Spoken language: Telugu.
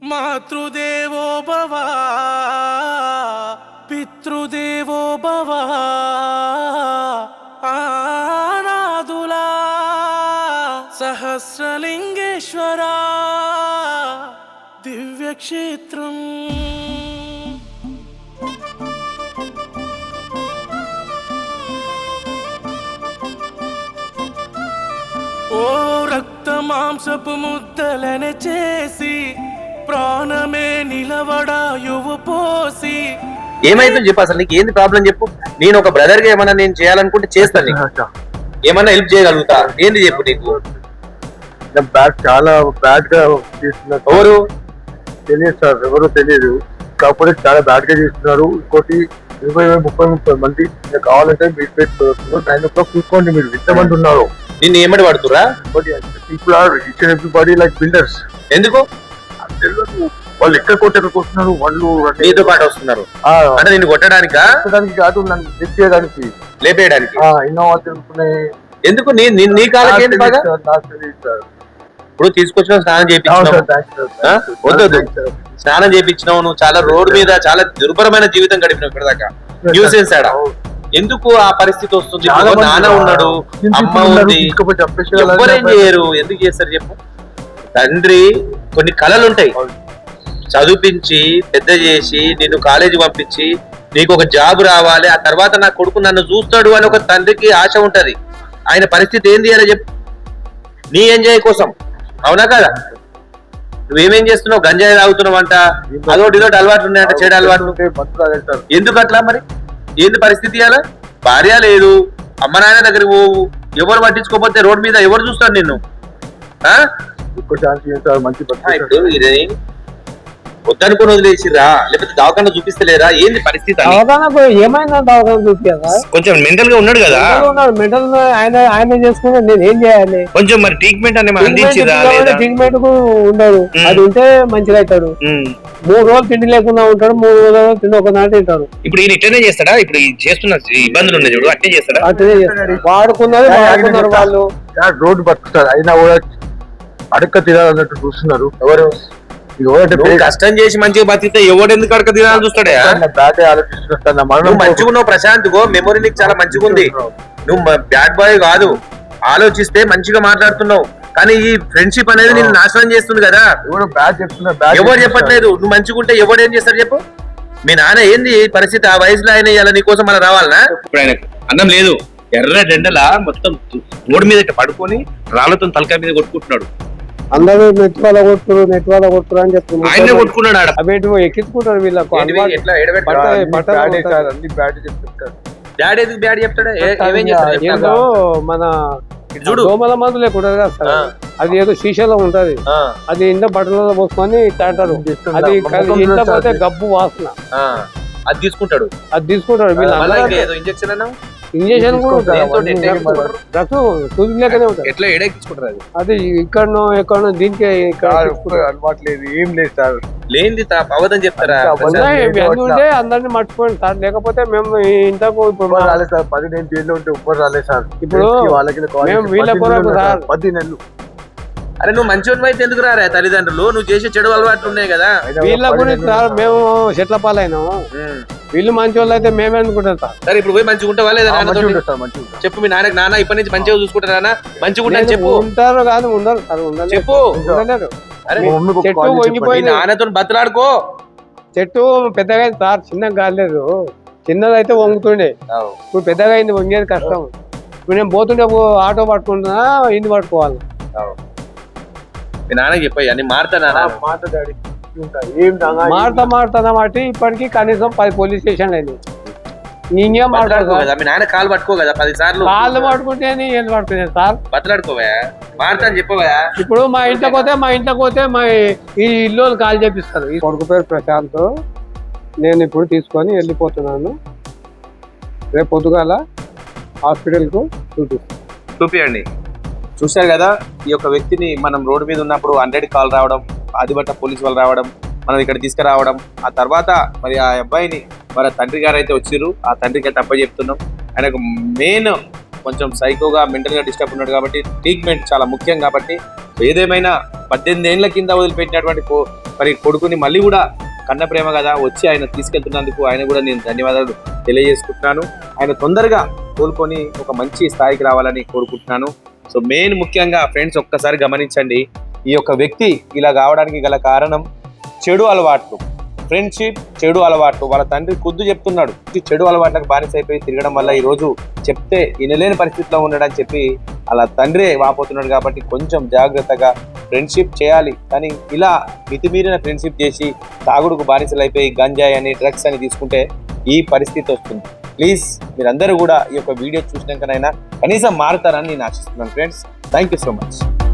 మాతృదేవో భవ పితృదేవో భవ ఆనాదులా సహస్రలింగేశ్వర దివ్యక్షేత్రం. ఓ రక్త మాంసపు ముద్దలనే చేసి ప్రాణమే నిలవడాయువు పోసి. ఏమైతుందో చెప్పు, అసలు నీకు ఏంది ప్రాబ్లం చెప్పు. నేను ఒక బ్రదర్ గా ఏమన్నా నేను చేయాలనుకుంటే చేస్తాను, నీకు ఏమన్నా హెల్ప్ చేయగలుగుతా. ఏంది చెప్పు నీకు. చాలా బ్యాడ్ గా చేస్తున్నారు. ఎవరు తెలియదు సార్, ఎవరు తెలియదు, కాకపోతే చాలా బ్యాడ్ గా చేస్తున్నారు. ఇంకోటి 20-30 మంది కావాలంటే మీరు పెట్టుకోవచ్చు. 9 o'clock చూసుకోండి, మీరు ఎంతమంది ఉన్నారు. నిన్ను ఏమడి పడుతురా? People are each and everybody like builders. ఎందుకు వాళ్ళు ఎక్కడ కొట్టేకొస్తున్నారు, వాళ్ళు నీతో పాటు వస్తున్నారు అంటే నిన్ను కొట్టడానికా? కాదు, నన్ను లిఫ్ట్ చేయడానికి, లేపేయడానికి. ఇన్నోవా తిరుగుతున్నాయి. ఎందుకు నీ కాళ్ళకి ఏంటి బాగా? ఇప్పుడు తీసుకొచ్చిన స్నానం చేయించినావు. వద్దు, స్నానం చేయించినావు. నువ్వు చాలా రోడ్డు మీద చాలా దుర్భరమైన జీవితం గడిపినావు ఇప్పటిదాకా. న్యూసెన్స్ ఆడ ఎందుకు ఆ పరిస్థితి వస్తుంది? నాన్న ఉన్నాడు, అమ్మ ఉంది, ఎవరేం చేయరు. ఎందుకు చేస్తారు చెప్పు. తండ్రి కొన్ని కళలు ఉంటాయి, చదివించి పెద్ద చేసి నిన్ను కాలేజీ పంపించి నీకు ఒక జాబ్ రావాలి, ఆ తర్వాత నా కొడుకు నన్ను చూస్తాడు అని ఒక తండ్రికి ఆశ ఉంటది. ఆయన పరిస్థితి ఏంది అని చెప్పు. నీ ఎంజాయ్ కోసం, అవునా కదా? నువ్వేమేం చేస్తున్నావు? గంజాయి తాగుతున్నావు అంట, అదొకటి ఇదొకటి అలవాట్లు ఉన్నాయంట, చెడు అలవాట్లు. ఎందుకు అట్లా మరి? ఏంది పరిస్థితి? అలా భార్య లేదు, అమ్మ నాన్న దగ్గరికి పోవు, ఎవరు పట్టించుకోకపోతే రోడ్ మీద ఎవరు చూస్తారు నిన్ను? వద్దనుకుని వదిలేసిరా, లేకపోతే దవాఖాన చూపిస్తలేరా? ఏంది పరిస్థితి? కొంచెం మెంటల్ గా ఉన్నాడు కదా, మెంటల్ ఆయన చేసుకుంటే నేను ఏం చేయాలి? కొంచెం మరి ట్రీట్మెంట్ అనే అందించిరా? ట్రీట్మెంట్ ఉండడు, అది ఉంటే మంచిగా అవుతాడు. 3 రోజులు తిండి లేకుండా ఉంటాడు, 3 రోజులు తిండి ఒక నాటి తింటాడు. ఇప్పుడు ఈయన ఇట్లనే చేస్తాడా? ఇప్పుడు చేస్తున్న ఇబ్బందులు ఉన్నాయి చూడు, అట్టే చేస్తాడా? అట్లనే చేస్తాడు. వాడుకున్నారు వాళ్ళు, రోడ్డు బతుకుతారు అయినా కూడా అడక్క తినాలన్నట్టు చూస్తున్నారు. ఎవరు కష్టం చేసి మంచిగా బతికితే ఎవడు ఎందుకు అడక తినాలని చూస్తాడే? నువ్వు మంచిగా ఉన్నావు ప్రశాంత్, గో మెమొరీ నీకు చాలా మంచిగా ఉంది. నువ్వు బ్యాడ్ బాయ్ కాదు, ఆలోచిస్తే మంచిగా మాట్లాడుతున్నావు. కానీ ఈ ఫ్రెండ్షిప్ అనేది నేను నాశనం చేస్తుంది కదా. ఎవరు చెప్పట్లేదు. నువ్వు మంచిగా ఉంటే ఎవడు ఏం చేస్తాడు చెప్పు. మీ నాన్న ఏంది పరిస్థితి? ఆ వయసులో ఆయన ఇలా నీకోసం మన రావాలనా? ఇప్పుడు ఆయనకు అన్నం లేదు, ఎర్ర డెండలా మొత్తం రోడ్డు మీద పడుకొని రాళ్లతో తలకాయ మీద కొట్టుకుంటున్నాడు. అందరూ నెట్వాల కొట్టురు అని చెప్తున్నారు. ఆయన కొట్టుకున్నాడు, అవేంటి ఎక్కించుకుంటారు వీళ్ళకు. డాడీ ఎందుకు బ్యాడ్ చెప్తాడు? ఏదో మన దోమల మందు లేకుండా కదా సార్, అది ఏదో శీషలో ఉంటది, అది ఇంత బట్టలలో పోసుకొని తాంటారు. అది ఇంట్లో పోతే గబ్బు వాసన, అది తీసుకుంటాడు. ఇంజక్షన్ ఇంజక్షన్ సూది లేకనే ఉంటుంది. ఎట్లా ఎడెక్కించుకుంటారు? అది ఇక్కడనో ఎక్కడనో దీనికి అలవాట్లేదు, ఏం లేదు సార్. లేని అవదని చెప్తారా? ఉంటే అందరినీ మర్చిపోయింది సార్, లేకపోతే మేము ఇంతకు ఇప్పుడు రాలేదు సార్. 10 నెలలు జైల్లో ఉంటే ఉప్పర్ రాలేదు సార్. ఇప్పుడు మేము వీళ్ళ కొరకు సార్ 10 నెలలు. అరే నువ్వు మంచి అయితే ఎందుకు రారా? తల్లిదండ్రులు నువ్వు చేసే చెడు అలవాట్లు ఉన్నాయి కదా, వీళ్ళ గురించి సార్. మేము చెట్ల పాలైనాము, వీళ్ళు మంచి వాళ్ళు అయితే మేమే అనుకుంటాం సార్. సరే ఇప్పుడు పోయి మంచిగా ఉంటావా లేదా? చెప్పు మీ నాన్న ఇప్పటి నుంచి మంచిగా చూసుకుంటారా? మంచిగా ఉంటాను చెప్పు. ఉంటారు కాదు, ఉండరు సార్, ఉండరు చెప్పు. చెట్టు వంగిపోయింది, నాన్నతో బతలాడుకో. చెట్టు పెద్దగా అయింది సార్, చిన్నగా కాలేదు. చిన్నదైతే వంగుతుండే, ఇప్పుడు పెద్దగా అయింది, వంగేది కష్టం. ఇప్పుడు నేను పోతుండే ఆటో పట్టుకుంటున్నా, ఇంటి పట్టుకోవాలి. మీ నాన్నకి చెప్పయ్యా, నేను మారుతానా? మారుతా మాటి ఇప్పటికి కనీసం 10 పోలీస్ స్టేషన్లు అయినాయి. ఇంకేం మాట్లాడుకో, మీ నాన్న కాలు పట్టుకో కదా 10 సార్లు. కాళ్ళు పట్టుకుంటే ఏం పట్టుకునేది సార్? బతలాడుకోవా, మారుతా అని చెప్పవా? ఇప్పుడు మా ఇంట్లోకి పోతే మా ఈ ఇల్లు కాల్ చేపిస్తారు. ఈ కొడుకు పేరు ప్రశాంత్, నేను ఇప్పుడు తీసుకొని వెళ్ళిపోతున్నాను. రేపు పొద్దుగాల హాస్పిటల్కు చూపియండి. చూశారు కదా, ఈ యొక్క వ్యక్తిని మనం రోడ్డు మీద ఉన్నప్పుడు 100 కాల్ రావడం, ఆదిబట్ట పోలీసు వాళ్ళు రావడం, మనం ఇక్కడ తీసుకురావడం, ఆ తర్వాత మరి ఆ అబ్బాయిని మరి తండ్రి గారు అయితే వచ్చిర్రు. ఆ తండ్రికి తప్ప చెప్తున్నాం. ఆయనకు మెయిన్ కొంచెం సైకోగా మెంటల్గా డిస్టర్బ్ ఉన్నాడు కాబట్టి ట్రీట్మెంట్ చాలా ముఖ్యం. కాబట్టి ఏదేమైనా 18 ఏళ్ల కింద వదిలిపెట్టినటువంటి మరి కొడుకుని మళ్ళీ కూడా కన్న ప్రేమ కదా వచ్చి ఆయన తీసుకెళ్తున్నందుకు ఆయన కూడా నేను ధన్యవాదాలు తెలియజేసుకుంటున్నాను. ఆయన తొందరగా కోలుకొని ఒక మంచి స్థాయికి రావాలని కోరుకుంటున్నాను. సో మెయిన్ ముఖ్యంగా ఫ్రెండ్స్ ఒక్కసారి గమనించండి, ఈ యొక్క వ్యక్తి ఇలా కావడానికి గల కారణం చెడు అలవాట్లు, ఫ్రెండ్షిప్, చెడు అలవాట్లు. వాళ్ళ తండ్రి ఖుద్దు చెప్తున్నాడు, చెడు అలవాట్లకు బానిసైపోయి తిరగడం వల్ల ఈరోజు చెప్తే వినలేని పరిస్థితిలో ఉన్నాడని చెప్పి అలా తండ్రే వాపోతున్నాడు. కాబట్టి కొంచెం జాగ్రత్తగా ఫ్రెండ్షిప్ చేయాలి, కానీ ఇలా మితిమీరిన ఫ్రెండ్షిప్ చేసి తాగుడుకు బానిసలు అయిపోయి గంజాయి అని డ్రగ్స్ అని తీసుకుంటే ఈ పరిస్థితి వస్తుంది. ప్లీజ్ మీరందరూ కూడా ఈ యొక్క వీడియో చూసినాకనైనా కనీసం మారుతారని నేను ఆశిస్తున్నాను friends. Thank you so much.